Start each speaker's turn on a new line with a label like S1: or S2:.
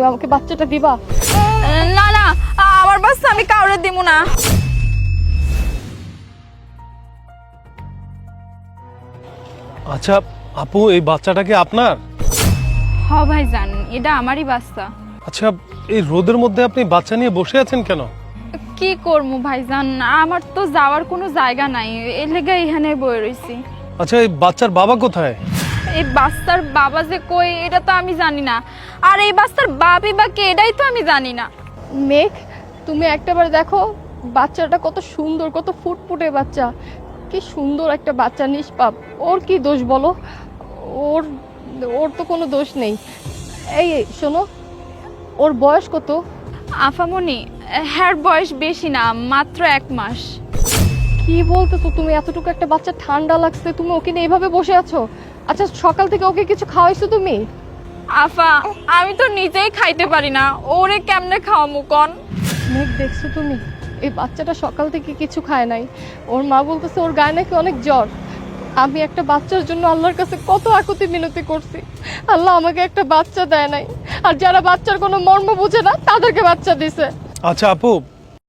S1: তুমি আমাকে বাচ্চাটা দিবা?
S2: না না, আমার বাচ্চা আমি কাউরে দিব না।
S3: আচ্ছা আপু, এই বাচ্চাটা কি আপনার?
S2: হ ভাইজান, এটা আমারই বাচ্চা।
S3: আচ্ছা, এই রোদের মধ্যে আপনি বাচ্চা নিয়ে বসে আছেন কেন?
S2: কি করবো ভাইজান, আমার তো যাওয়ার কোনো জায়গা নাই, এর লেগে এখানে বয়ে রইছি।
S3: আচ্ছা, এই বাচ্চার বাবা কোথায়?
S2: এই বাচ্চার বাবা যে কই এটা তো আমি জানি না, আর এই বাচ্চার বাপি বা কে এটাই তো আমি জানি না।
S1: মেঘ, তুমি একটাবার দেখো বাচ্চাটা কত সুন্দর, কত ফুটফুটে বাচ্চা, কি সুন্দর একটা বাচ্চা, নিষ্পাপ। ওর কি দোষ বলো? ওর ওর তো কোনো দোষ নেই। এই শোনো, ওর বয়স কত?
S2: আফামনি, হ্যার বয়স বেশি না, মাত্র 1 মাস।
S1: কি বলতেছো তুমি? এতটুকু একটা বাচ্চা, ঠান্ডা লাগছে, তুমি ওকে নিয়ে এইভাবে বসে আছো? আচ্ছা, সকাল থেকে ওকে কিছু খাওয়াইছো তুমি?
S2: আফা, আমি তো নিজেই খাইতে পারি না, ওরে কেমনে খাওয়ামু কন?
S1: মেঘ, দেখছো তুমি এই বাচ্চাটা সকাল থেকে কিছু খায় নাই। ওর মা বলতেছে ওর গায়ে নাকি অনেক জ্বর। আমি একটা বাচ্চার জন্য আল্লাহর কাছে কত আকুতি মিনতি করছি, আল্লাহ আমাকে একটা বাচ্চা দেয় নাই। আর যারা বাচ্চার কোনো মর্ম বুঝে না তাদেরকে বাচ্চা দিছে।
S3: আচ্ছা আপু,